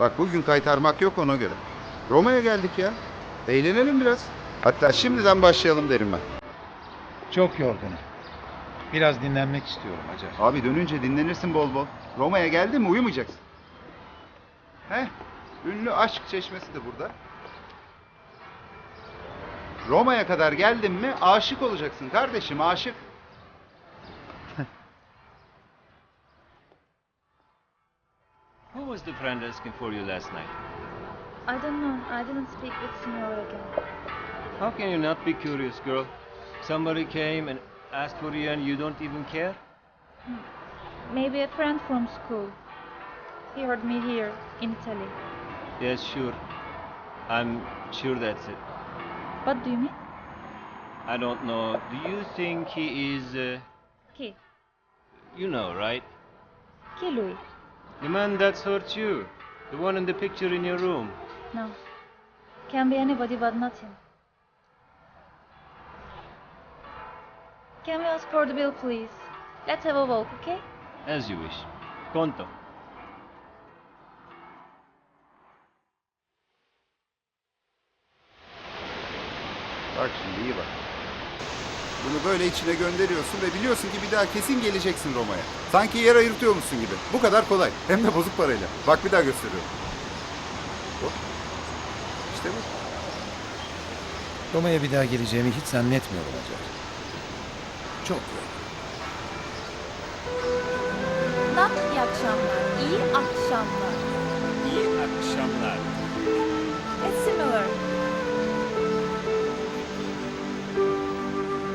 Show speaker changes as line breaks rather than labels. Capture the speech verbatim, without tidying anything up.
Bak bugün kaytarmak yok ona göre. Roma'ya geldik ya. Eğlenelim biraz. Hatta şimdiden başlayalım derim ben.
Çok yorgunum. Biraz dinlenmek istiyorum Hacer.
Abi dönünce dinlenirsin bol bol. Roma'ya geldin mi uyumayacaksın. Heh, ünlü aşk çeşmesi de burada. Roma'ya kadar geldin mi aşık olacaksın kardeşim, aşık.
Who was the friend asking for you last night?
I don't know. I didn't speak with Signor again.
How can you not be curious, girl? Somebody came and asked for you and you don't even care?
Maybe a friend from school. He heard me here in Italy.
Yes, sure. I'm sure that's it.
What do you mean?
I don't know. Do you think he is, uh,
Chi?
you know, right?
Chi lui?
The man that's hurt you. The one in the picture in your room.
No. Can be anybody but not him. Can we ask for the bill, please? Let's have a walk, okay?
As you wish. Conto.
Bak şimdi iyi bak. Bunu böyle içine gönderiyorsun ve biliyorsun ki bir daha kesin geleceksin Roma'ya. Sanki yer ayırtıyormuşsun gibi. Bu kadar kolay. Hem de bozuk parayla. Bak bir daha gösteriyorum. Hop. İşte bu.
Roma'ya bir daha geleceğimi hiç zannetmiyorum Hacer. Çok yorgunum.
Not iyi akşamlar. İyi akşamlar.
İyi akşamlar.
It's similar.